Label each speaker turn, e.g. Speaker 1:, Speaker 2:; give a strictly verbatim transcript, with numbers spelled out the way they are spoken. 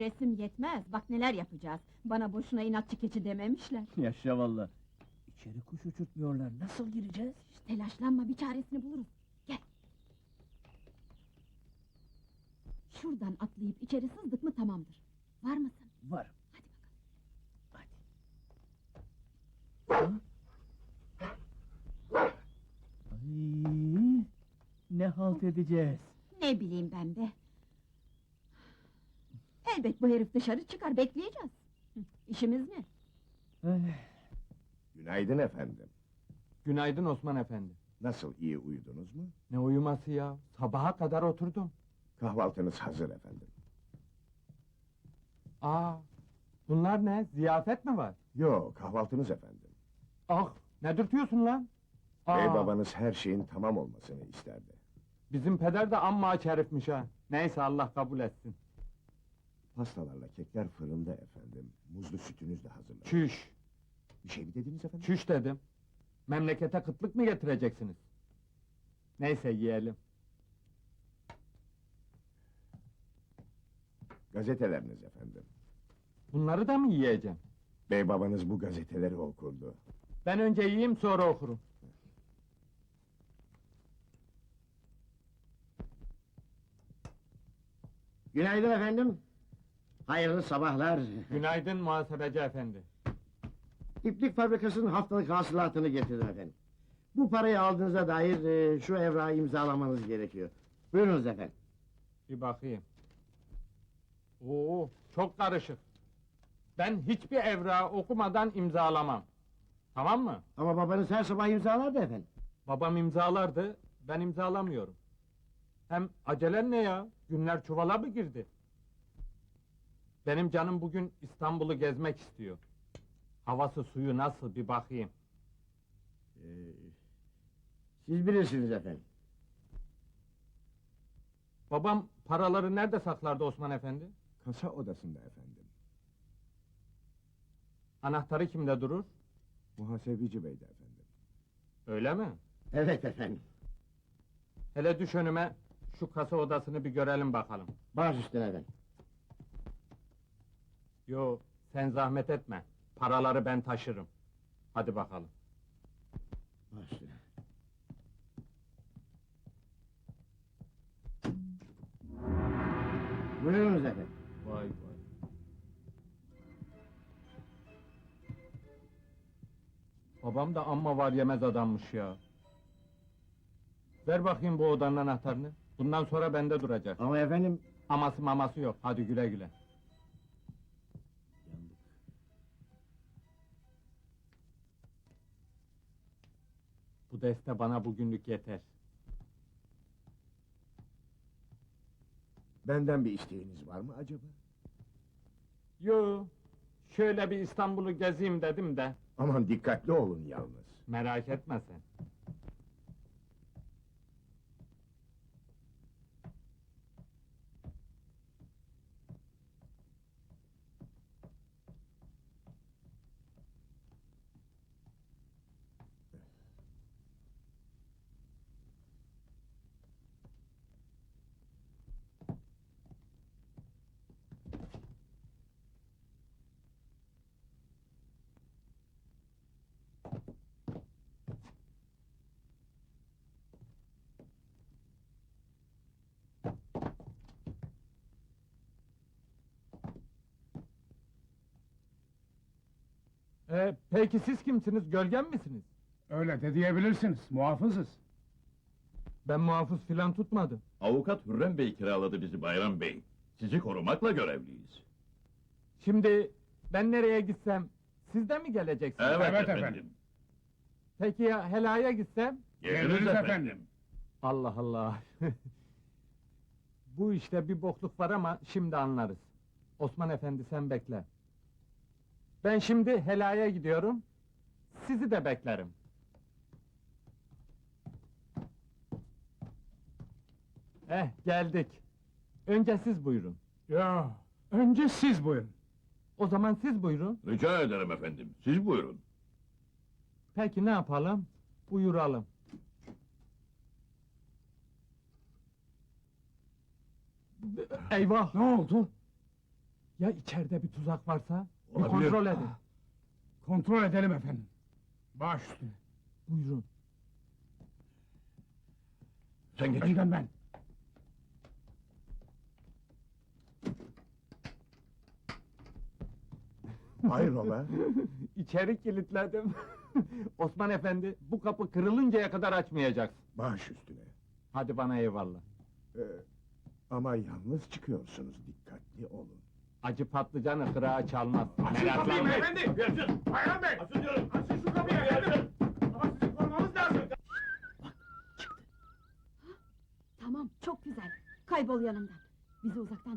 Speaker 1: Resim yetmez, bak neler yapacağız. Bana boşuna inatçı keçi dememişler.
Speaker 2: Yaşa valla. İçeri kuş uçurtmuyorlar, nasıl gireceğiz?
Speaker 1: Şş, telaşlanma, bir çaresini buluruz. Gel. Şuradan atlayıp içeri sızdık mı tamamdır. Var mısın?
Speaker 2: Varım.
Speaker 1: Hadi bakalım.
Speaker 2: Hadi. Ha? Ay, ne halt edeceğiz?
Speaker 1: Ne bileyim ben be. Elbet bu herif dışarı çıkar, bekleyeceğiz. Hı, İşimiz ne?
Speaker 2: Ay,
Speaker 3: Günaydın efendim.
Speaker 4: Günaydın Osman Efendi.
Speaker 3: Nasıl, iyi uyudunuz mu?
Speaker 4: Ne uyuması ya? Sabaha kadar oturdum.
Speaker 3: Kahvaltınız hazır efendim.
Speaker 4: Aa, bunlar ne? Ziyafet mi var?
Speaker 3: Yo, kahvaltınız efendim.
Speaker 4: Ah, ne dürtüyorsun lan? Aa,
Speaker 3: Bey babanız her şeyin tamam olmasını isterdi.
Speaker 4: bizim peder de amma aç herifmiş ha. Neyse Allah kabul etsin.
Speaker 3: Pastalarla kekler fırında efendim. Muzlu sütünüz de hazırlanır.
Speaker 4: Çüş,
Speaker 3: Bir şey mi dediniz efendim?
Speaker 4: çüş dedim. Memlekete kıtlık mı getireceksiniz? Neyse yiyelim.
Speaker 3: Gazeteleriniz efendim.
Speaker 4: Bunları da mı yiyeceğim?
Speaker 3: Bey babanız bu gazeteleri okurdu.
Speaker 4: Ben önce yiyeyim sonra okurum.
Speaker 5: Günaydın efendim. Hayırlı sabahlar.
Speaker 4: Günaydın muhasebeci efendi.
Speaker 5: İplik fabrikasının haftalık hasılatını getirdim efendim. Bu parayı aldığınıza dair e, şu evrağı imzalamanız gerekiyor. Buyurunuz efendim.
Speaker 4: Bir bakayım. Oo, çok karışık. Ben hiçbir evrağı okumadan imzalamam. Tamam mı?
Speaker 5: Ama babanız her sabah imzalardı efendim.
Speaker 4: Babam imzalardı, ben imzalamıyorum. Hem acelen ne ya? Günler çuvala mı girdi? Benim canım bugün İstanbul'u gezmek istiyor. Havası suyu nasıl bir bakayım.
Speaker 5: Ee, siz bilirsiniz efendim.
Speaker 4: Babam paraları nerede saklardı Osman Efendi?
Speaker 3: Kasa odasında efendim.
Speaker 4: Anahtarı kimde durur?
Speaker 3: Muhasebeci beyde efendim.
Speaker 4: Öyle mi?
Speaker 5: Evet efendim.
Speaker 4: Hele düş önüme, şu kasa odasını bir görelim bakalım.
Speaker 5: Baş üstüne efendim.
Speaker 4: Yo, sen zahmet etme. Paraları ben taşırım. Hadi bakalım.
Speaker 5: Baş üstüne. Buyurunuz efendim.
Speaker 4: Vay vay. Babam da amma var yemez adammış ya. Ver bakayım bu odanın anahtarını. Bundan sonra bende duracak.
Speaker 5: Ama efendim...
Speaker 4: Aması maması yok. Hadi güle güle.
Speaker 5: Yandık.
Speaker 4: Bu deste bana bugünlük yeter.
Speaker 3: Benden bir isteğiniz var mı acaba?
Speaker 4: Yo, şöyle bir İstanbul'u gezeyim dedim de.
Speaker 3: Aman dikkatli olun yalnız.
Speaker 4: Merak etme sen. Ee, peki siz kimsiniz? Gölgen misiniz?
Speaker 6: Öyle de diyebilirsiniz, muhafızız.
Speaker 4: Ben muhafız filan tutmadım.
Speaker 7: Avukat Hürrem Bey kiraladı bizi Bayram Bey. Sizi korumakla görevliyiz.
Speaker 4: Şimdi ben nereye gitsem siz de mi geleceksiniz?
Speaker 7: Evet,
Speaker 6: Evet
Speaker 7: efendim.
Speaker 6: efendim.
Speaker 4: Peki ya helaya gitsem?
Speaker 7: Geliriz
Speaker 6: Geliriz
Speaker 7: efendim.
Speaker 6: efendim.
Speaker 4: Allah Allah. Bu işte bir bokluk var ama şimdi anlarız. Osman Efendi sen bekle. Ben şimdi helaya gidiyorum. Sizi de beklerim. Eh geldik. Önce siz buyurun.
Speaker 6: Ya, önce siz buyurun.
Speaker 4: O zaman siz buyurun.
Speaker 7: Rica ederim efendim. Siz buyurun.
Speaker 4: Peki ne yapalım? Buyuralım. Eyvah!
Speaker 6: Ne oldu?
Speaker 4: Ya içeride bir tuzak varsa? Bir
Speaker 7: Olabilir.
Speaker 4: kontrol edin.
Speaker 6: Kontrol edelim efendim. Baş üstüne.
Speaker 4: Buyurun.
Speaker 7: Sen geç.
Speaker 6: Önden ben.
Speaker 3: Hayrola?
Speaker 4: İçeri kilitledim. Osman Efendi, bu kapı kırılıncaya kadar açmayacaksın.
Speaker 3: Baş üstüne.
Speaker 4: Hadi bana eyvallah.
Speaker 3: Ee, ama yalnız çıkıyorsunuz, dikkatli olun.
Speaker 4: Acı patlıcanı kırağa çalmaz. Meraklanma.
Speaker 6: efendi! Bayram Bey!
Speaker 7: Açın diyorum.
Speaker 6: Açın şu kapıyı efendim! Ama sizi korumamız lazım!
Speaker 1: Tamam, çok güzel. Kaybol yanımdan. Bizi uzaktan